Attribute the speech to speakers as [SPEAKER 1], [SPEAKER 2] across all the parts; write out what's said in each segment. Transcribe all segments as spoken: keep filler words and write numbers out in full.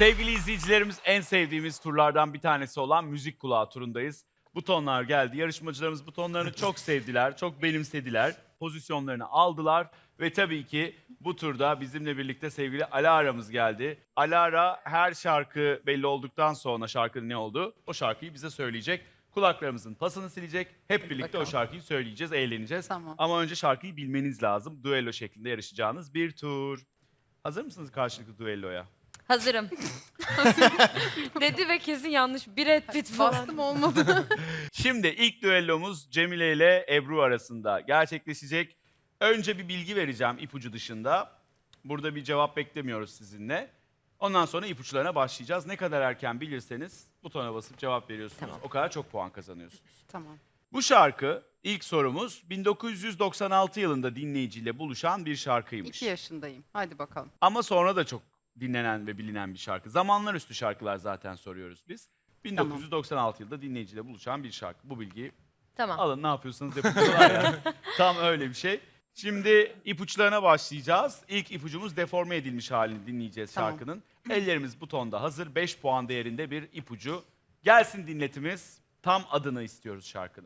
[SPEAKER 1] Sevgili izleyicilerimiz, en sevdiğimiz turlardan bir tanesi olan müzik kulağı turundayız. Butonlar geldi. Yarışmacılarımız butonlarını çok sevdiler, çok benimsediler. Pozisyonlarını aldılar ve tabii ki bu turda bizimle birlikte sevgili Alara'mız geldi. Alara her şarkı belli olduktan sonra şarkının ne olduğu, o şarkıyı bize söyleyecek. Kulaklarımızın pasını silecek. Hep birlikte
[SPEAKER 2] bakalım.
[SPEAKER 1] o şarkıyı söyleyeceğiz, eğleneceğiz.
[SPEAKER 2] Tamam.
[SPEAKER 1] Ama önce şarkıyı bilmeniz lazım. Duello şeklinde yarışacağınız bir tur. Hazır mısınız karşılıklı duelloya?
[SPEAKER 3] Hazırım. Dedi ve kesin yanlış. Brad Pitt falan.
[SPEAKER 2] Bastım olmadı.
[SPEAKER 1] Şimdi ilk düellomuz Cemile ile Ebru arasında gerçekleşecek. Önce bir bilgi vereceğim ipucu dışında. Burada bir cevap beklemiyoruz sizinle. Ondan sonra ipuçlarına başlayacağız. Ne kadar erken bilirseniz butona basıp cevap veriyorsunuz.
[SPEAKER 3] Tamam.
[SPEAKER 1] O kadar çok puan kazanıyorsunuz.
[SPEAKER 2] Tamam.
[SPEAKER 1] Bu şarkı, ilk sorumuz, bin dokuz yüz doksan altı yılında dinleyiciyle buluşan bir şarkıymış.
[SPEAKER 2] İki yaşındayım. Hadi bakalım.
[SPEAKER 1] Ama sonra da çok dinlenen ve bilinen bir şarkı. Zamanlar üstü şarkılar zaten soruyoruz biz. bin dokuz yüz doksan altı yılında dinleyiciyle buluşan bir şarkı. Bu bilgiyi
[SPEAKER 3] Tamam.
[SPEAKER 1] alın, ne yapıyorsanız yapın. Yani. Tam öyle bir şey. Şimdi ipuçlarına başlayacağız. İlk ipucumuz deforme edilmiş halini dinleyeceğiz
[SPEAKER 2] Tamam.
[SPEAKER 1] şarkının. Ellerimiz butonda hazır. beş puan değerinde bir ipucu. Gelsin dinletimiz. Tam adını istiyoruz şarkının.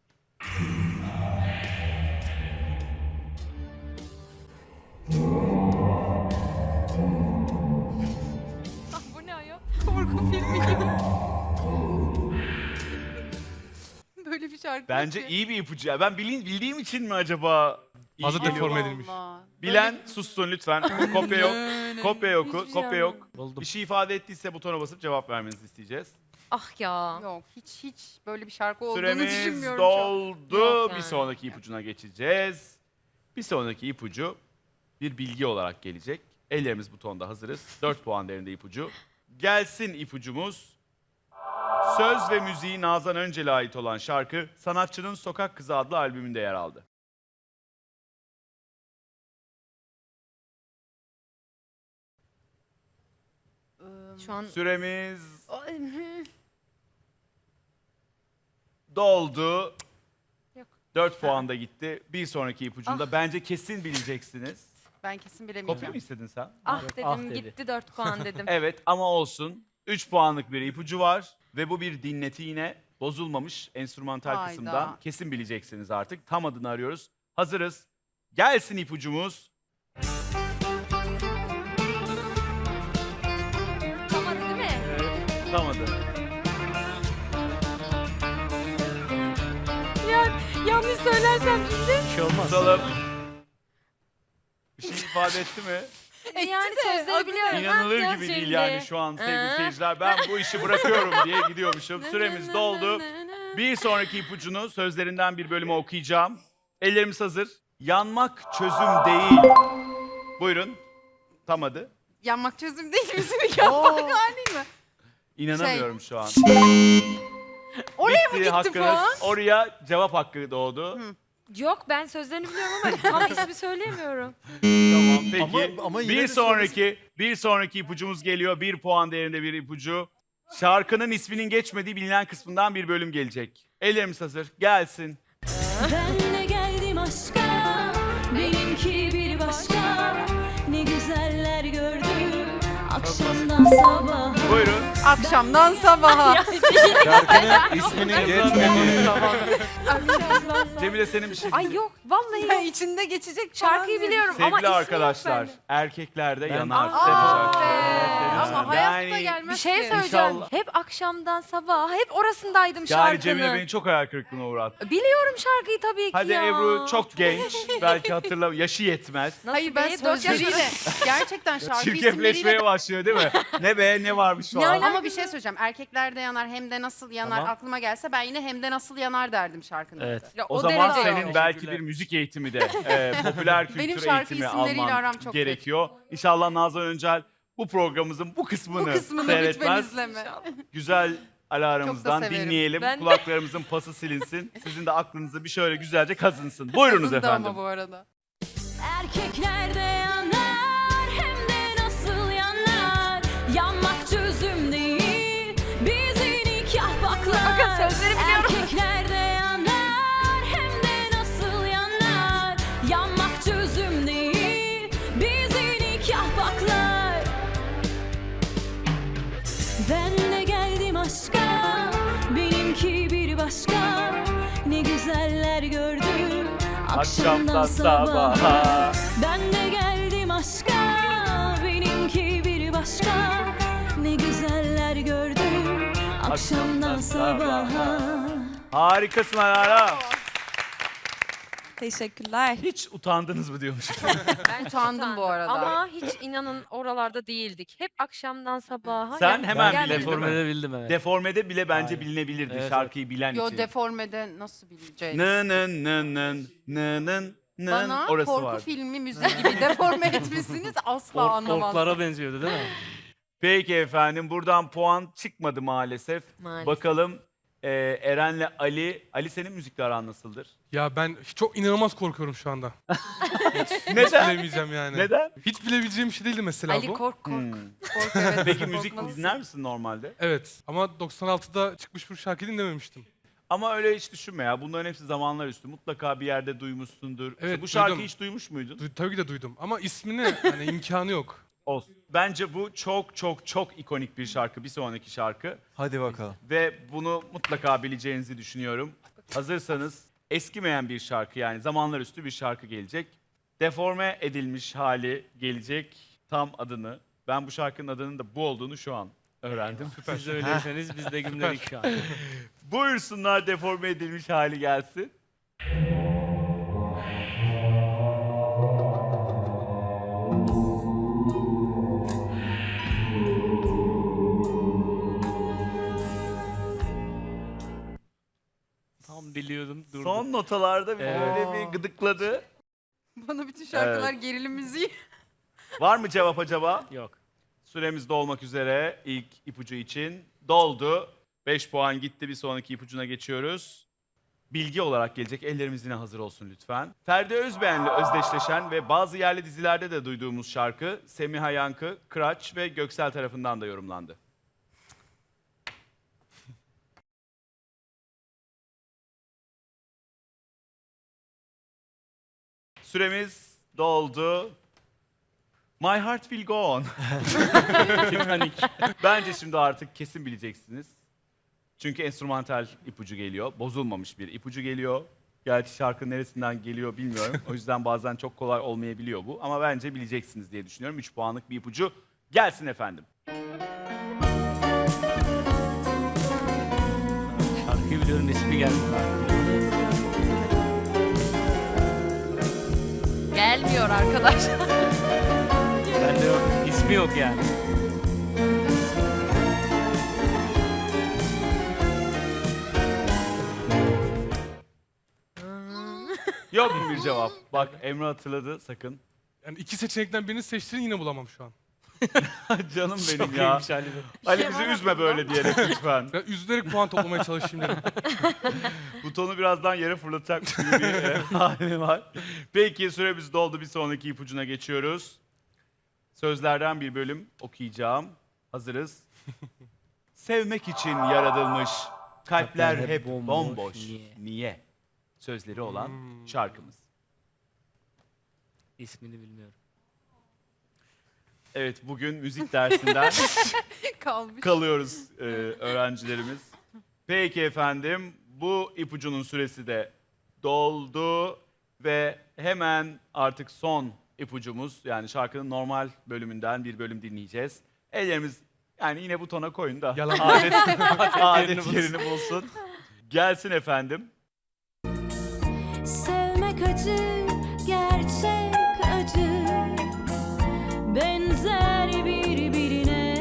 [SPEAKER 3] Ah, bu ne ayol?
[SPEAKER 2] Korku filmi gibi. Böyle bir şarkı.
[SPEAKER 1] Bence
[SPEAKER 2] yok ki.
[SPEAKER 1] iyi bir ipucu. Ya ben bilin, bildiğim için mi acaba iyi
[SPEAKER 4] Fazla
[SPEAKER 1] geliyor?
[SPEAKER 4] deforme
[SPEAKER 2] Allah
[SPEAKER 4] edilmiş.
[SPEAKER 2] Allah.
[SPEAKER 1] Bilen sussun lütfen. Kopya yok.
[SPEAKER 2] Böyle-
[SPEAKER 1] Kopya yok.
[SPEAKER 3] Hiçbir şey
[SPEAKER 1] Kopya yok.
[SPEAKER 3] anlamadım.
[SPEAKER 4] Buldum.
[SPEAKER 1] Bir şey ifade ettiyse butona basıp cevap vermenizi isteyeceğiz.
[SPEAKER 3] Ah ya.
[SPEAKER 2] Yok hiç hiç böyle bir şarkı olduğunu
[SPEAKER 1] Süremiz
[SPEAKER 2] düşünmüyorum şu an.
[SPEAKER 1] doldu.
[SPEAKER 3] Yok
[SPEAKER 1] Bir
[SPEAKER 3] yani.
[SPEAKER 1] sonraki ipucuna geçeceğiz. Bir sonraki ipucu bir bilgi olarak gelecek. Ellerimiz butonda hazırız. dört puan değerinde ipucu. Gelsin ipucumuz. Söz ve müziği Nazan Öncel'e ait olan şarkı sanatçının Sokak Kızı adlı albümünde yer aldı.
[SPEAKER 2] Iı,
[SPEAKER 3] Şu an...
[SPEAKER 1] Süremiz
[SPEAKER 3] Ay, hı.
[SPEAKER 1] doldu.
[SPEAKER 3] Yok.
[SPEAKER 1] dört puan da gitti. Bir sonraki ipucunda
[SPEAKER 3] Ah.
[SPEAKER 1] bence kesin bileceksiniz.
[SPEAKER 2] Ben kesin
[SPEAKER 1] Kopya
[SPEAKER 2] bilemeyeceğim.
[SPEAKER 1] mı istedin sen?
[SPEAKER 3] Ah
[SPEAKER 4] Yok,
[SPEAKER 3] dedim
[SPEAKER 4] ah dedi.
[SPEAKER 3] gitti dört puan dedim.
[SPEAKER 1] Evet ama olsun. üç puanlık bir ipucu var ve bu bir dinleti yine bozulmamış enstrümantal
[SPEAKER 2] Hayda.
[SPEAKER 1] kısımdan. Kesin bileceksiniz artık. Tam adını arıyoruz. Hazırız. Gelsin ipucumuz.
[SPEAKER 3] Tamam değil mi?
[SPEAKER 1] Evet, tam adı.
[SPEAKER 3] Ya yanlış söylersem şimdi.
[SPEAKER 4] Bir şey olmaz.
[SPEAKER 1] Tutalım. Bir şey ifade etti mi?
[SPEAKER 3] Yani
[SPEAKER 2] de,
[SPEAKER 3] sözleri
[SPEAKER 2] adı
[SPEAKER 3] biliyorum.
[SPEAKER 1] İnanılır
[SPEAKER 3] Ha,
[SPEAKER 1] gibi
[SPEAKER 3] şimdi.
[SPEAKER 1] değil yani şu an sevgili
[SPEAKER 3] Ha.
[SPEAKER 1] seyirciler. Ben bu işi bırakıyorum diye gidiyormuşum. Süremiz doldu. Bir sonraki ipucunu sözlerinden bir bölümü okuyacağım. Ellerimiz hazır. Yanmak çözüm değil. Buyurun. Tam adı.
[SPEAKER 2] Yanmak çözüm değil müzik yapmak hali mi?
[SPEAKER 1] İnanamıyorum şu an.
[SPEAKER 2] Oraya mı gitti
[SPEAKER 1] hakkınız.
[SPEAKER 2] puan?
[SPEAKER 1] Oraya cevap hakkı doğdu.
[SPEAKER 2] Hı.
[SPEAKER 3] Yok ben sözlerini biliyorum ama tam ismi söyleyemiyorum.
[SPEAKER 1] Tamam peki.
[SPEAKER 4] Ama- ama yine
[SPEAKER 1] bir
[SPEAKER 4] de
[SPEAKER 1] sonraki bir sonraki ipucumuz geliyor. Bir puan değerinde bir ipucu. Şarkının isminin geçmediği bilinen kısmından bir bölüm gelecek. Ellerimiz hazır. Gelsin.
[SPEAKER 5] Ben de geldim aşka, benimki bir başka. Ne güzeller gördüm, akşamdan sabaha.
[SPEAKER 1] Buyurun.
[SPEAKER 2] Akşamdan sabaha.
[SPEAKER 4] Şarkının isminin geçmediği.
[SPEAKER 1] Cemile senin bir şey.
[SPEAKER 3] Ay yok vallahi
[SPEAKER 2] Ben
[SPEAKER 3] yok.
[SPEAKER 2] içinde geçecek falan
[SPEAKER 3] Şarkıyı
[SPEAKER 2] diye
[SPEAKER 3] biliyorum ama
[SPEAKER 1] Sevgili
[SPEAKER 3] ismi
[SPEAKER 1] arkadaşlar,
[SPEAKER 3] yok bende.
[SPEAKER 1] erkeklerde
[SPEAKER 4] Ben-
[SPEAKER 1] yanar.
[SPEAKER 3] Aa,
[SPEAKER 1] Demiş
[SPEAKER 3] be.
[SPEAKER 1] arkadaşlar.
[SPEAKER 2] Ama hayatta
[SPEAKER 1] Yani-
[SPEAKER 2] gelmez
[SPEAKER 3] Bir şey
[SPEAKER 2] ki.
[SPEAKER 3] söyleyeceğim.
[SPEAKER 1] İnşallah.
[SPEAKER 3] Hep akşamdan sabaha hep orasındaydım
[SPEAKER 1] Yani
[SPEAKER 3] şarkının.
[SPEAKER 1] Cemile beni çok hayal kırıklığına uğrattı.
[SPEAKER 3] Biliyorum şarkıyı tabii ki
[SPEAKER 1] Hadi
[SPEAKER 3] ya.
[SPEAKER 1] Ebru çok genç. Belki hatırlam. Yaşı yetmez.
[SPEAKER 3] Nasıl
[SPEAKER 2] Hayır ben
[SPEAKER 3] be? Dört yaş-
[SPEAKER 2] sözleriyle gerçekten şarkı
[SPEAKER 1] Çirkefleşmeye
[SPEAKER 2] isimleriyle
[SPEAKER 1] başlıyor değil mi? Ne be ne varmış
[SPEAKER 3] Ne
[SPEAKER 1] falan.
[SPEAKER 3] alaka?
[SPEAKER 2] ama bir şey söyleyeceğim. Erkeklerde yanar hem de nasıl yanar
[SPEAKER 4] Tamam.
[SPEAKER 2] aklıma gelse ben yine hem de nasıl yanar derdim şarkının.
[SPEAKER 4] Evet.
[SPEAKER 2] adı.
[SPEAKER 3] Ya
[SPEAKER 1] O,
[SPEAKER 3] o
[SPEAKER 1] zaman
[SPEAKER 3] derece
[SPEAKER 1] senin
[SPEAKER 3] yok.
[SPEAKER 1] belki bir müzik eğitimi de, e, popüler kültür
[SPEAKER 2] Benim şarkı
[SPEAKER 1] eğitimi
[SPEAKER 2] isimleriyle
[SPEAKER 1] alman
[SPEAKER 2] aram çok
[SPEAKER 1] gerekiyor. İnşallah Nazan Öncel bu programımızın bu kısmını,
[SPEAKER 2] Bu kısmını lütfen
[SPEAKER 1] seyretmez.
[SPEAKER 2] izleme.
[SPEAKER 1] Güzel alarmımızdan
[SPEAKER 2] Çok da severim.
[SPEAKER 1] dinleyelim.
[SPEAKER 3] Ben de.
[SPEAKER 1] Kulaklarımızın pası silinsin. Sizin de aklınızı bir şöyle güzelce kazınsın. Buyurunuz
[SPEAKER 2] Kızım da
[SPEAKER 1] efendim.
[SPEAKER 2] ama bu arada.
[SPEAKER 5] Erkeklerde yanar, hem de nasıl yanar. Yanmak çözüm değil, bizi nikah baklar.
[SPEAKER 3] Bakın sözleri biliyorum.
[SPEAKER 5] Erkeklerde yanar, hem de nasıl yanar. Yanmak çözüm değil, bizi nikah baklar.
[SPEAKER 1] Akşamdan sabaha.
[SPEAKER 5] Ben de geldim aşka, benimki bir başka. Ne güzeller gördüm akşamdan sabaha.
[SPEAKER 1] Harikasın Alara.
[SPEAKER 6] Teşekkürler.
[SPEAKER 1] Hiç utandınız mı diyormuş.
[SPEAKER 2] Ben utandım bu arada.
[SPEAKER 3] Ama hiç inanın oralarda değildik. Hep akşamdan sabaha.
[SPEAKER 1] Sen
[SPEAKER 3] yani
[SPEAKER 1] hemen
[SPEAKER 3] geldim.
[SPEAKER 1] bildin değil mi?
[SPEAKER 7] Deformede bildim evet.
[SPEAKER 1] Deformede bile bence
[SPEAKER 7] Aynen.
[SPEAKER 1] bilinebilirdi
[SPEAKER 7] Evet,
[SPEAKER 1] şarkıyı bilen
[SPEAKER 2] Yo
[SPEAKER 1] için.
[SPEAKER 2] deformede nasıl bileceğiz?
[SPEAKER 1] Nın nın nın nın nın nın nın
[SPEAKER 2] Bana
[SPEAKER 1] orası
[SPEAKER 2] korku
[SPEAKER 1] var.
[SPEAKER 2] filmi müziği gibi deforme etmişsiniz asla
[SPEAKER 7] Ork,
[SPEAKER 2] anlamazdım.
[SPEAKER 7] orklara benziyordu değil mi?
[SPEAKER 1] Peki efendim buradan puan çıkmadı maalesef.
[SPEAKER 3] Maalesef.
[SPEAKER 1] Bakalım e, Eren'le Ali. Ali senin müzikle aran nasıldır?
[SPEAKER 8] Ya ben çok inanılmaz korkuyorum şu anda. Hiç
[SPEAKER 1] Neden?
[SPEAKER 8] bilemeyeceğim yani.
[SPEAKER 1] Neden?
[SPEAKER 8] Hiç bilebileceğim bir şey değildi mesela
[SPEAKER 3] Ali
[SPEAKER 8] bu.
[SPEAKER 3] kork kork.
[SPEAKER 1] Hmm.
[SPEAKER 2] Korku, evet,
[SPEAKER 1] Peki müzik
[SPEAKER 2] korkmalısın.
[SPEAKER 1] dinler misin normalde?
[SPEAKER 8] Evet ama doksan altıda çıkmış bir şarkı dinlememiştim.
[SPEAKER 1] Ama öyle hiç düşünme ya. Bunların hepsi zamanlar üstü. Mutlaka bir yerde duymuşsundur. İşte
[SPEAKER 8] Evet,
[SPEAKER 1] bu şarkıyı
[SPEAKER 8] duydum.
[SPEAKER 1] hiç duymuş muydun?
[SPEAKER 8] Du- tabii ki de duydum ama ismini hani imkanı yok.
[SPEAKER 1] Olsun. Bence bu çok çok çok ikonik bir şarkı. Bir sonraki şarkı.
[SPEAKER 4] Hadi bakalım.
[SPEAKER 1] Ve bunu mutlaka bileceğinizi düşünüyorum. Hazırsanız eskimeyen bir şarkı yani zamanlar üstü bir şarkı gelecek. Deforme edilmiş hali gelecek tam adını. Ben bu şarkının adının da bu olduğunu şu an öğrendim.
[SPEAKER 7] Siz de öyleyseniz biz de gümledik şu an.
[SPEAKER 1] Buyursunlar deforme edilmiş hali gelsin.
[SPEAKER 7] Tam biliyordum durdum.
[SPEAKER 1] Son notalarda bir
[SPEAKER 7] Evet.
[SPEAKER 1] böyle bir gıdıkladı.
[SPEAKER 2] Bana bütün şarkılar gerilim müziği.
[SPEAKER 1] Var mı cevap acaba?
[SPEAKER 7] Yok.
[SPEAKER 1] Süremiz dolmak üzere ilk ipucu için. Doldu. beş puan gitti. Bir sonraki ipucuna geçiyoruz. Bilgi olarak gelecek. Ellerimiz yine hazır olsun lütfen. Ferdi Özbeğen'le özdeşleşen ve bazı yerli dizilerde de duyduğumuz şarkı Semiha Yankı, Kıraç ve Göksel tarafından da yorumlandı. Süremiz doldu. My Heart Will Go On.
[SPEAKER 7] Titanik.
[SPEAKER 1] Bence şimdi artık kesin bileceksiniz. Çünkü enstrümantal ipucu geliyor. Bozulmamış bir ipucu geliyor. Gerçi şarkı neresinden geliyor bilmiyorum. O yüzden bazen çok kolay olmayabiliyor bu. Ama bence bileceksiniz diye düşünüyorum. üç puanlık bir ipucu gelsin efendim.
[SPEAKER 7] Şarkıyı biliyorum ismi geldi.
[SPEAKER 2] Gelmiyor arkadaş.
[SPEAKER 7] Bende yok. İsmi yok yani.
[SPEAKER 1] Yok mu bir cevap? Bak Emre hatırladı sakın.
[SPEAKER 8] Yani iki seçenekten birini seçtiğini yine bulamam şu an.
[SPEAKER 1] Canım benim
[SPEAKER 7] Çok
[SPEAKER 1] ya.
[SPEAKER 7] iyiymiş Ali.
[SPEAKER 1] Ali
[SPEAKER 3] şey
[SPEAKER 1] bizi
[SPEAKER 3] var
[SPEAKER 1] üzme böyle diyerek lütfen.
[SPEAKER 8] Ya üzülerek puan toplamaya çalışayım dedim.
[SPEAKER 1] Butonu birazdan yere fırlatacakmış gibi bir e, hali var. Peki süremiz doldu. Bir sonraki ipucuna geçiyoruz. Sözlerden bir bölüm okuyacağım. Hazırız. Sevmek için yaratılmış kalpler
[SPEAKER 7] hep
[SPEAKER 1] hep
[SPEAKER 7] bomboş.
[SPEAKER 1] bomboş.
[SPEAKER 7] Niye?
[SPEAKER 1] Niye? Sözleri olan
[SPEAKER 8] Hmm.
[SPEAKER 1] şarkımız.
[SPEAKER 7] İsmini bilmiyorum.
[SPEAKER 1] Evet bugün müzik dersinden
[SPEAKER 2] Kalmış.
[SPEAKER 1] kalıyoruz e, öğrencilerimiz. Peki efendim bu ipucunun süresi de doldu ve hemen artık son ipucumuz yani şarkının normal bölümünden bir bölüm dinleyeceğiz. Ellerimiz yani yine butona koyun da
[SPEAKER 8] Yalan.
[SPEAKER 1] adet, adet
[SPEAKER 7] yerini bulsun.
[SPEAKER 1] yerini bulsun. Gelsin efendim.
[SPEAKER 5] Sevmek acı, gerçek acı. Benzer birbirine.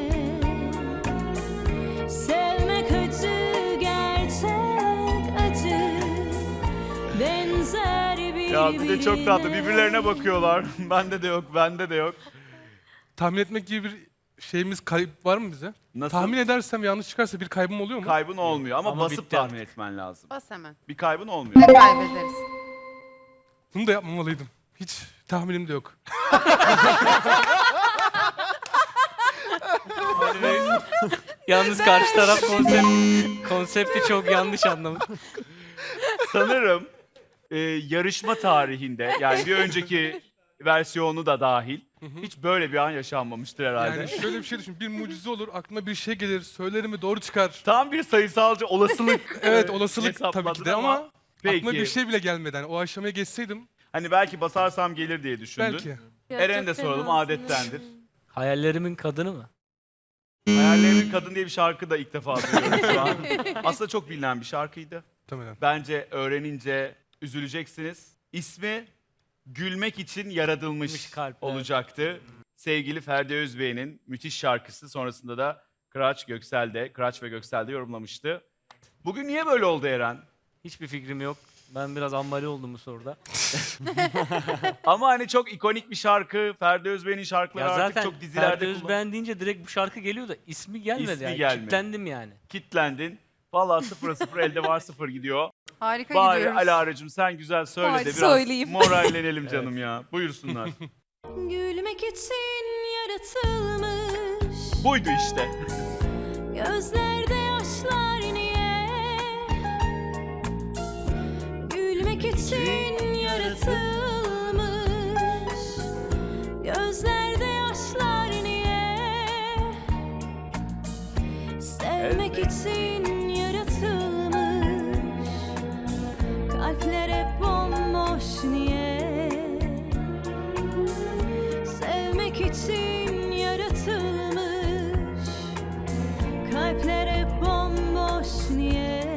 [SPEAKER 5] Sevmek acı, gerçek acı. Benzer birbirine.
[SPEAKER 1] Ya bir de çok tatlı birbirlerine bakıyorlar. bende de yok, bende de yok.
[SPEAKER 8] Tahmin etmek gibi bir şeyimiz kayıp var mı bize?
[SPEAKER 1] Nasıl?
[SPEAKER 8] Tahmin edersem yanlış çıkarsa bir kaybım oluyor mu?
[SPEAKER 1] Kaybın olmuyor ama,
[SPEAKER 7] Ama
[SPEAKER 1] basıp
[SPEAKER 7] bitti
[SPEAKER 1] tahmin
[SPEAKER 7] artık.
[SPEAKER 1] etmen lazım.
[SPEAKER 2] Bas hemen.
[SPEAKER 1] Bir kaybın olmuyor.
[SPEAKER 2] Ne kaybederiz?
[SPEAKER 8] Bunu da yapmamalıydım. Hiç tahminim de yok.
[SPEAKER 7] Yalnız karşı taraf konsept, konsepti çok yanlış anlamış.
[SPEAKER 1] Sanırım e, yarışma tarihinde yani bir önceki versiyonu da dahil hiç böyle bir an yaşanmamıştır herhalde.
[SPEAKER 8] Yani şöyle bir şey düşün. Bir mucize olur, aklıma bir şey gelir, söylerim ve doğru çıkar.
[SPEAKER 1] Tam bir sayısalcı olasılık.
[SPEAKER 8] Evet
[SPEAKER 1] e,
[SPEAKER 8] olasılık tabii ki de
[SPEAKER 1] hesapladın
[SPEAKER 8] ama
[SPEAKER 1] Peki.
[SPEAKER 8] Aklıma bir şey bile gelmeden o aşamaya geçseydim
[SPEAKER 1] Hani belki basarsam gelir diye düşündün.
[SPEAKER 8] belki.
[SPEAKER 3] Ya
[SPEAKER 1] Eren'e
[SPEAKER 3] çok
[SPEAKER 1] de soralım,
[SPEAKER 3] fenasın.
[SPEAKER 1] adettendir.
[SPEAKER 7] Hayallerimin kadını mı?
[SPEAKER 1] Hayallerimin Kadın diye bir şarkı da ilk defa duyuyorum şu an. Aslında çok bilinen bir şarkıydı.
[SPEAKER 8] Muhtemelen.
[SPEAKER 1] Bence öğrenince üzüleceksiniz. İsmi Gülmek için Yaratılmış
[SPEAKER 7] Gülmüş kalp, evet.
[SPEAKER 1] olacaktı. Sevgili Ferdi Özbey'in müthiş şarkısı. Sonrasında da Kıraç Göksel de, Kıraç ve Göksel de yorumlamıştı. Bugün niye böyle oldu Eren?
[SPEAKER 7] Hiçbir fikrim yok. Ben biraz ambali oldum bu soruda.
[SPEAKER 1] Ama hani çok ikonik bir şarkı. Ferdi Özbey'in şarkıları
[SPEAKER 7] Ya
[SPEAKER 1] artık
[SPEAKER 7] zaten
[SPEAKER 1] çok dizilerde
[SPEAKER 7] Ferdi
[SPEAKER 1] kullan-
[SPEAKER 7] Özbeğen deyince direkt bu şarkı geliyor da ismi gelmedi
[SPEAKER 1] İsmi
[SPEAKER 7] yani.
[SPEAKER 1] gelmedi.
[SPEAKER 7] Kitlendim yani.
[SPEAKER 1] Kitlendin. Vallahi sıfıra sıfır elde var sıfır gidiyor.
[SPEAKER 2] Harika
[SPEAKER 1] Bari
[SPEAKER 2] gidiyoruz.
[SPEAKER 1] Alara'cığım sen güzel söyle
[SPEAKER 2] Bari
[SPEAKER 1] de biraz
[SPEAKER 2] söyleyeyim.
[SPEAKER 1] morallenelim canım ya. Buyursunlar.
[SPEAKER 5] Gülmek için yaratılmış
[SPEAKER 1] Buydu işte.
[SPEAKER 5] gözlerde yaşlar niye? Gülmek için yaratılmış gözlerde yaşlar niye? Sevmek için yaratılmış kalpler hep bomboş niye? Sevmek için yaratılmış kalpler hep bomboş niye?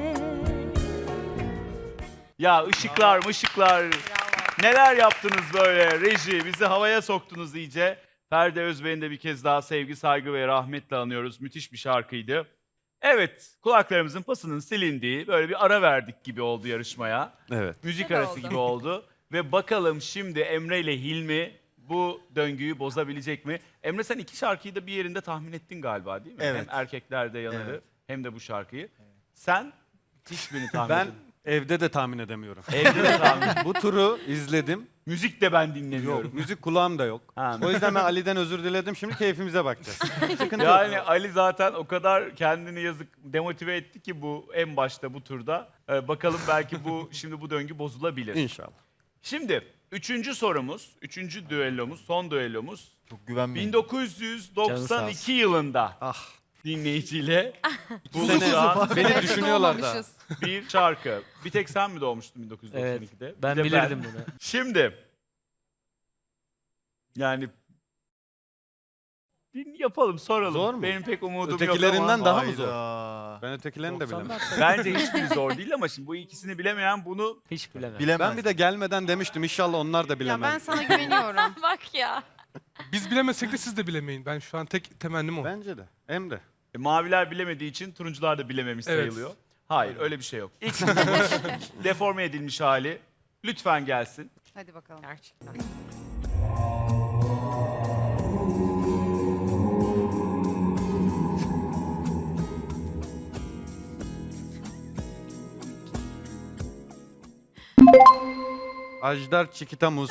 [SPEAKER 1] Ya ışıklar mışıklar. Neler yaptınız böyle reji? Bizi havaya soktunuz iyice. Ferdi Özbey'in de bir kez daha sevgi, saygı ve rahmetle anıyoruz. Müthiş bir şarkıydı. Evet, kulaklarımızın pasının silindiği, böyle bir ara verdik gibi oldu yarışmaya.
[SPEAKER 4] Evet.
[SPEAKER 1] Müzik
[SPEAKER 2] Güzel
[SPEAKER 1] arası
[SPEAKER 2] oldu.
[SPEAKER 1] gibi oldu. Ve bakalım şimdi Emre ile Hilmi bu döngüyü bozabilecek mi? Emre sen iki şarkıyı da bir yerinde tahmin ettin galiba değil mi?
[SPEAKER 4] Evet.
[SPEAKER 1] Hem Erkeklerde Yanarı
[SPEAKER 4] Evet.
[SPEAKER 1] hem de bu şarkıyı. Sen hiçbirini tahmin
[SPEAKER 4] Ben
[SPEAKER 1] edemedin.
[SPEAKER 4] evde de tahmin edemiyorum.
[SPEAKER 1] Evde de tahmin
[SPEAKER 4] Bu turu izledim.
[SPEAKER 1] Müzik de ben dinlemiyorum.
[SPEAKER 4] Yok, müzik kulağım da yok.
[SPEAKER 1] Ha.
[SPEAKER 4] O yüzden ben Ali'den özür diledim. Şimdi keyfimize bakacağız. Sıkıntı
[SPEAKER 1] Yani
[SPEAKER 4] yok.
[SPEAKER 1] Ali zaten o kadar kendini yazık demotive etti ki bu en başta bu turda. Ee, bakalım belki bu şimdi bu döngü bozulabilir.
[SPEAKER 4] İnşallah.
[SPEAKER 1] Şimdi üçüncü sorumuz, üçüncü düellomuz, son düellomuz.
[SPEAKER 6] Çok güvenmeyin.
[SPEAKER 1] bin dokuz yüz doksan iki yılında
[SPEAKER 4] Ah.
[SPEAKER 1] dinleyiciyle
[SPEAKER 4] Bu
[SPEAKER 1] buluşan
[SPEAKER 4] sene beni düşünüyorlar da.
[SPEAKER 2] Doğmamışız.
[SPEAKER 1] bir şarkı. Bir tek sen mi doğmuştun bin dokuz yüz doksan
[SPEAKER 7] Evet.
[SPEAKER 1] ikide? Bir
[SPEAKER 7] Ben
[SPEAKER 1] de
[SPEAKER 7] bilirdim bunu.
[SPEAKER 1] Şimdi yani bir yapalım, soralım.
[SPEAKER 4] Zor mu?
[SPEAKER 1] Benim pek umudum
[SPEAKER 4] Ötekilerinden
[SPEAKER 1] yok ama.
[SPEAKER 4] daha mı zor?
[SPEAKER 6] Hayda.
[SPEAKER 4] Ben ötekilerini de bilemem.
[SPEAKER 7] doksanlar
[SPEAKER 1] Bence hiçbiri zor değil ama şimdi bu ikisini bilemeyen bunu
[SPEAKER 7] Hiç bilemem.
[SPEAKER 6] Bilemez.
[SPEAKER 4] Ben bir de gelmeden demiştim. İnşallah onlar da
[SPEAKER 2] Ya
[SPEAKER 4] bilemez.
[SPEAKER 2] ben sana güveniyorum.
[SPEAKER 3] Bak ya.
[SPEAKER 8] biz bilemesek de siz de bilemeyin. Ben şu an tek temennim o.
[SPEAKER 4] Bence de. Emre.
[SPEAKER 1] e, maviler bilemediği için turuncular da bilememiş
[SPEAKER 8] Evet.
[SPEAKER 1] sayılıyor. Hayır öyle bir şey yok. İlk deforme edilmiş hali lütfen gelsin.
[SPEAKER 2] Hadi bakalım.
[SPEAKER 3] Gerçekten.
[SPEAKER 4] Ajdar Çikitamuz.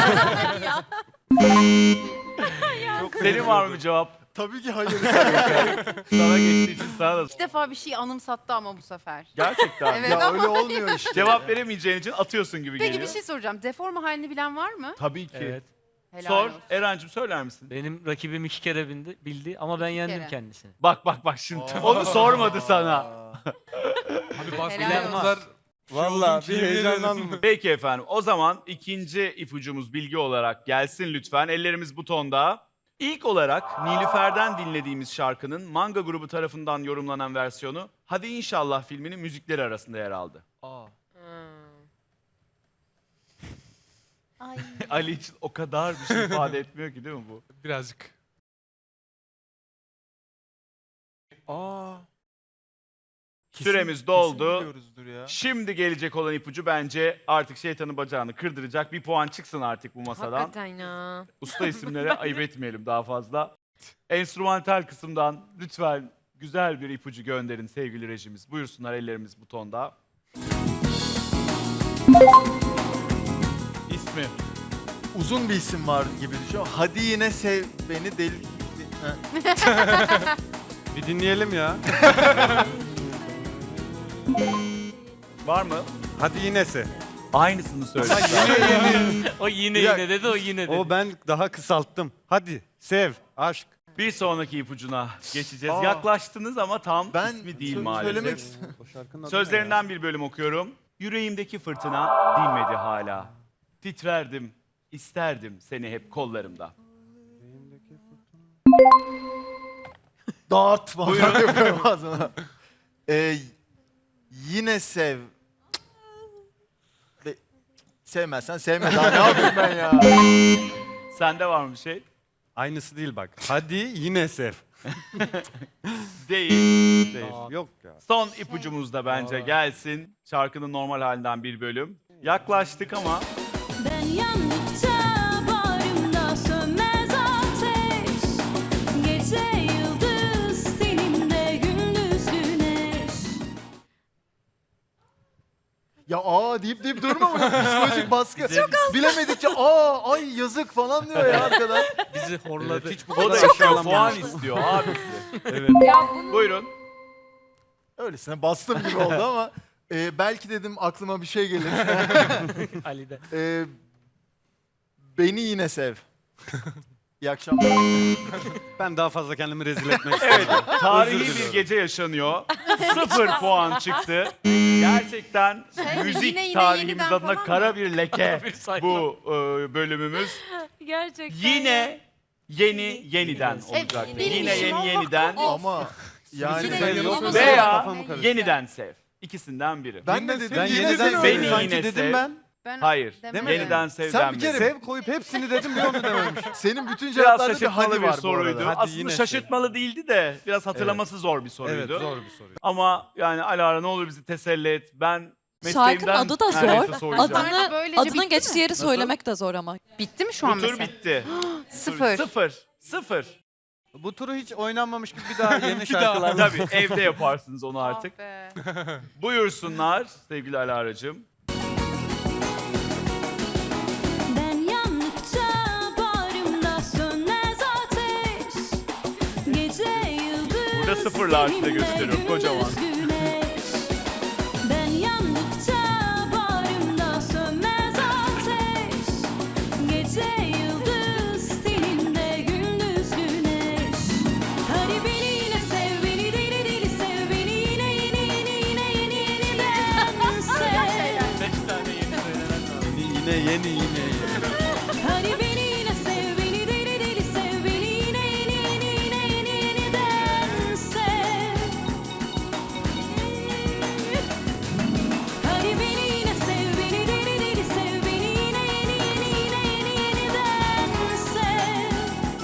[SPEAKER 1] Senin var mı cevap?
[SPEAKER 6] Tabii ki hayır.
[SPEAKER 1] Sana geçtiği için sana da.
[SPEAKER 2] İlk defa bir şey anımsattı ama bu sefer.
[SPEAKER 1] Gerçekten.
[SPEAKER 2] Evet.
[SPEAKER 6] ya öyle olmuyor işte.
[SPEAKER 1] Cevap veremeyeceğin için atıyorsun gibi
[SPEAKER 2] Peki
[SPEAKER 1] geliyor.
[SPEAKER 2] bir şey soracağım. Deforme halini bilen var mı?
[SPEAKER 1] Tabii ki.
[SPEAKER 7] Evet.
[SPEAKER 2] Helal
[SPEAKER 1] Sor.
[SPEAKER 2] olsun.
[SPEAKER 1] Erancığım söyler misin?
[SPEAKER 7] Benim rakibim iki kere bildi, bildi ama ben
[SPEAKER 2] İki
[SPEAKER 7] yendim
[SPEAKER 2] kere.
[SPEAKER 7] kendisini.
[SPEAKER 1] Bak bak bak şimdi. Onu sormadı sana.
[SPEAKER 8] Abi bazı
[SPEAKER 2] Helal
[SPEAKER 8] bilenler
[SPEAKER 4] Vallahi bir
[SPEAKER 8] yemin ederim.
[SPEAKER 4] heyecanlandım.
[SPEAKER 1] Peki efendim. O zaman ikinci ipucumuz bilgi olarak gelsin lütfen. Ellerimiz butonda. İlk olarak Nilüfer'den dinlediğimiz şarkının Manga grubu tarafından yorumlanan versiyonu Hadi İnşallah filminin müzikleri arasında yer aldı.
[SPEAKER 8] Aa.
[SPEAKER 2] Ay.
[SPEAKER 1] Ali için o kadar bir şey ifade etmiyor ki değil mi bu?
[SPEAKER 8] Birazcık.
[SPEAKER 6] Aa.
[SPEAKER 1] Süremiz doldu.
[SPEAKER 6] Kesin biliyoruzdur ya.
[SPEAKER 1] Şimdi gelecek olan ipucu bence artık şeytanın bacağını kırdıracak. Bir puan çıksın artık bu masadan.
[SPEAKER 3] Hakikaten ya.
[SPEAKER 1] Usta isimlere ayıp etmeyelim daha fazla. Enstrümantal kısımdan lütfen güzel bir ipucu gönderin sevgili rejimiz. Buyursunlar, ellerimiz butonda. İsmi.
[SPEAKER 6] Uzun bir isim var gibi düşün. Hadi yine sev beni deli... Ha.
[SPEAKER 4] Bir dinleyelim ya.
[SPEAKER 1] Var mı?
[SPEAKER 4] Hadi yinesi.
[SPEAKER 1] Aynısını söyle.
[SPEAKER 7] O yine
[SPEAKER 4] Ya-
[SPEAKER 7] yine dedi, o yine dedi.
[SPEAKER 4] O ben daha kısalttım. Hadi sev, aşk.
[SPEAKER 1] Bir sonraki ipucuna geçeceğiz.
[SPEAKER 6] Aa.
[SPEAKER 1] Yaklaştınız ama tam
[SPEAKER 6] Ben
[SPEAKER 1] ismi değil
[SPEAKER 6] sö-
[SPEAKER 1] maalesef.
[SPEAKER 6] söylemek istiyorum.
[SPEAKER 4] O şarkının adı ne ya?
[SPEAKER 1] Sözlerinden bir bölüm okuyorum. Yüreğimdeki fırtına dinmedi hala. Titrerdim, isterdim seni hep kollarımda.
[SPEAKER 6] Dağıt falan yapıyorum bazen. Ee, yine sev. Be- Sevmezsen sevme daha ne yapayım ben ya?
[SPEAKER 1] Sende var mı bir şey?
[SPEAKER 4] Aynısı değil bak. Hadi yine sev.
[SPEAKER 1] Değil.
[SPEAKER 4] Değil. Yok ya.
[SPEAKER 1] Son ipucumuz da bence gelsin. Şarkının normal halinden bir bölüm. Yaklaştık ama
[SPEAKER 5] Ben yandıkça bağrımda sönmez ateş. Gece yıldız tenimde gündüz güneş.
[SPEAKER 6] Ya aa deyip deyip durma mı? Psikolojik baskı. Bilemedikçe aa ay yazık falan diyor ya arkadan.
[SPEAKER 7] Bizi horladı.
[SPEAKER 4] Hiç bu
[SPEAKER 1] o da
[SPEAKER 4] kadar
[SPEAKER 1] işte
[SPEAKER 4] aşağılamamış.
[SPEAKER 1] puan istiyor abisi.
[SPEAKER 4] Evet.
[SPEAKER 3] Ya bunu
[SPEAKER 1] Buyurun.
[SPEAKER 6] Öylesine bastım gibi oldu ama e, belki dedim aklıma bir şey gelir.
[SPEAKER 7] Ali'de.
[SPEAKER 6] E, beni yine sev. İyi akşamlar.
[SPEAKER 4] Ben daha fazla kendimi rezil etmek
[SPEAKER 1] Evet,
[SPEAKER 4] istedim.
[SPEAKER 1] tarihi
[SPEAKER 4] Özür
[SPEAKER 1] bir
[SPEAKER 4] diliyorum.
[SPEAKER 1] gece yaşanıyor. Sıfır puan çıktı. Gerçekten müzik
[SPEAKER 2] yine, yine,
[SPEAKER 1] tarihimiz
[SPEAKER 2] yeniden
[SPEAKER 1] adına
[SPEAKER 2] falan mı?
[SPEAKER 1] kara bir leke
[SPEAKER 7] Bir sayfa.
[SPEAKER 1] bu e, bölümümüz.
[SPEAKER 3] gerçekten.
[SPEAKER 1] Yine yeni yeniden olacak.
[SPEAKER 2] benim
[SPEAKER 1] Yine
[SPEAKER 2] işim
[SPEAKER 1] yeni
[SPEAKER 2] olmak
[SPEAKER 1] yeniden
[SPEAKER 6] Ama yani
[SPEAKER 2] Yine
[SPEAKER 6] ben,
[SPEAKER 2] yeni
[SPEAKER 4] yok.
[SPEAKER 2] olmaz.
[SPEAKER 1] veya
[SPEAKER 4] Kafamı karıştı.
[SPEAKER 1] yeniden sev. İkisinden biri.
[SPEAKER 6] ben de dedim
[SPEAKER 4] Ben
[SPEAKER 6] yine
[SPEAKER 4] yeniden
[SPEAKER 6] sev.
[SPEAKER 1] Beni
[SPEAKER 4] sev.
[SPEAKER 1] yine
[SPEAKER 4] Sanki
[SPEAKER 1] sev.
[SPEAKER 4] dedim ben.
[SPEAKER 2] Ben
[SPEAKER 1] Hayır.
[SPEAKER 2] demedim.
[SPEAKER 1] Yeniden sev
[SPEAKER 6] Sen bir
[SPEAKER 1] denmedi.
[SPEAKER 6] kere
[SPEAKER 4] Sev koyup hepsini dedim bir onu dememiş.
[SPEAKER 6] Senin bütün
[SPEAKER 1] Biraz
[SPEAKER 6] cevaplarda bir
[SPEAKER 1] şaşırtmalı
[SPEAKER 6] hadi
[SPEAKER 1] bir
[SPEAKER 6] var bu
[SPEAKER 1] soruydu.
[SPEAKER 6] arada.
[SPEAKER 4] Hadi
[SPEAKER 1] Aslında
[SPEAKER 4] yine sev.
[SPEAKER 1] şaşırtmalı değildi de biraz hatırlaması zor bir soruydu.
[SPEAKER 4] Evet zor bir soru.
[SPEAKER 1] Ama yani Alara ne olur bizi teselli et. Ben
[SPEAKER 9] Şarkının
[SPEAKER 1] mesleğimden
[SPEAKER 9] adı da
[SPEAKER 1] neredeyse
[SPEAKER 9] zor.
[SPEAKER 1] soracağım.
[SPEAKER 2] Adını-
[SPEAKER 9] Adını,
[SPEAKER 2] böylece bitti
[SPEAKER 9] adının
[SPEAKER 2] mi?
[SPEAKER 9] geçtiği yeri
[SPEAKER 1] Nasıl?
[SPEAKER 9] söylemek de zor ama.
[SPEAKER 2] Bitti mi şu an
[SPEAKER 1] Bu tur
[SPEAKER 2] mesela?
[SPEAKER 1] bitti.
[SPEAKER 2] Sıfır.
[SPEAKER 1] Sıfır. Sıfır.
[SPEAKER 4] Bu turu hiç oynanmamış gibi bir daha yeni
[SPEAKER 1] Bir daha.
[SPEAKER 4] şarkılar.
[SPEAKER 1] Tabii evde yaparsınız onu artık.
[SPEAKER 2] Ah be.
[SPEAKER 1] Buyursunlar sevgili Alara'cığım.
[SPEAKER 5] Ben yandıkça bağrımda sönmez ateş. Gece yıldız
[SPEAKER 1] Burada sıfırlar size
[SPEAKER 5] tenimde
[SPEAKER 1] gösteriyorum, kocaman.
[SPEAKER 5] gündüz güneş. Ben yandıkça bağrımda sönmez ateş. Gece yıldız tenimde gündüz güneş. Hadi beni yine sev, beni deli deli sev, beni yine yeni yeni yine yeni yeniden sev.
[SPEAKER 4] Yine yeni yine yeni.
[SPEAKER 5] Hadi beni yine sev, beni deli deli sev, beni yine yeni yeni yine yeni yeniden sev. Hadi beni yine sev, beni deli deli sev, beni yine yeni yeni yine yeni yeniden sev.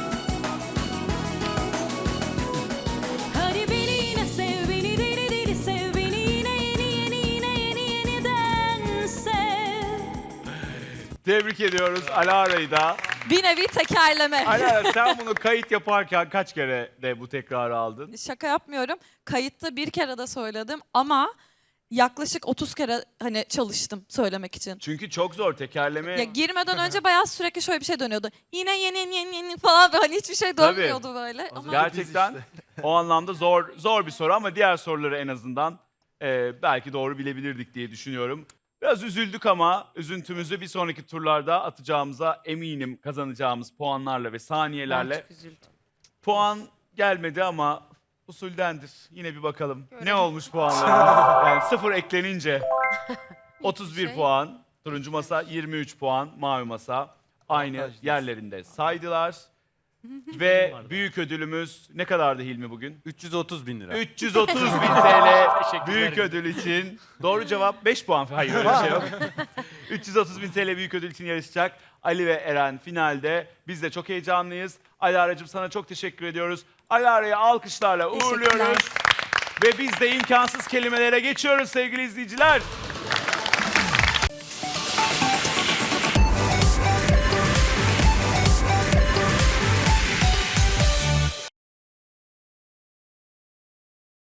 [SPEAKER 5] Hadi beni yine sev, beni deli deli sev, beni yine yeni yeni yine yeni yeniden sev.
[SPEAKER 1] Tebrik ediyoruz Alara'yı da.
[SPEAKER 9] Bir nevi tekerleme.
[SPEAKER 1] Alara sen bunu kayıt yaparken kaç kere de bu tekrarı aldın?
[SPEAKER 9] Şaka yapmıyorum. Kayıtta bir kere de söyledim ama yaklaşık otuz kere hani çalıştım söylemek için.
[SPEAKER 1] Çünkü çok zor tekerleme.
[SPEAKER 9] Ya girmeden önce bayağı sürekli şöyle bir şey dönüyordu. Yine yeni yeni yeni, yeni falan böyle hani hiçbir şey
[SPEAKER 1] Tabii.
[SPEAKER 9] dönmüyordu böyle. Ama
[SPEAKER 1] Gerçekten o anlamda zor zor bir soru ama diğer soruları en azından e, belki doğru bilebilirdik diye düşünüyorum. Biraz üzüldük ama üzüntümüzü bir sonraki turlarda atacağımıza eminim kazanacağımız puanlarla ve saniyelerle.
[SPEAKER 3] Ben çok üzüldüm.
[SPEAKER 1] Puan gelmedi ama usuldendir. Yine bir bakalım.
[SPEAKER 2] Görelim.
[SPEAKER 1] Ne olmuş puanlarımız? Yani sıfır eklenince otuz bir
[SPEAKER 2] şey.
[SPEAKER 1] puan. Turuncu masa yirmi üç puan. Mavi masa aynı
[SPEAKER 4] Avantajlıyız.
[SPEAKER 1] yerlerinde saydılar. Ve büyük ödülümüz ne kadardı Hilmi bugün?
[SPEAKER 4] üç yüz otuz bin lira.
[SPEAKER 1] üç yüz otuz bin T L
[SPEAKER 7] Teşekkürler.
[SPEAKER 1] büyük ödül için. Doğru cevap beş puan. Hayır öyle bir şey yok. üç yüz otuz bin T L büyük ödül için yarışacak Ali ve Eren finalde. Biz de çok heyecanlıyız. Alara'cığım sana çok teşekkür ediyoruz. Alara'yı alkışlarla uğurluyoruz. Ve biz de imkansız kelimelere geçiyoruz sevgili izleyiciler.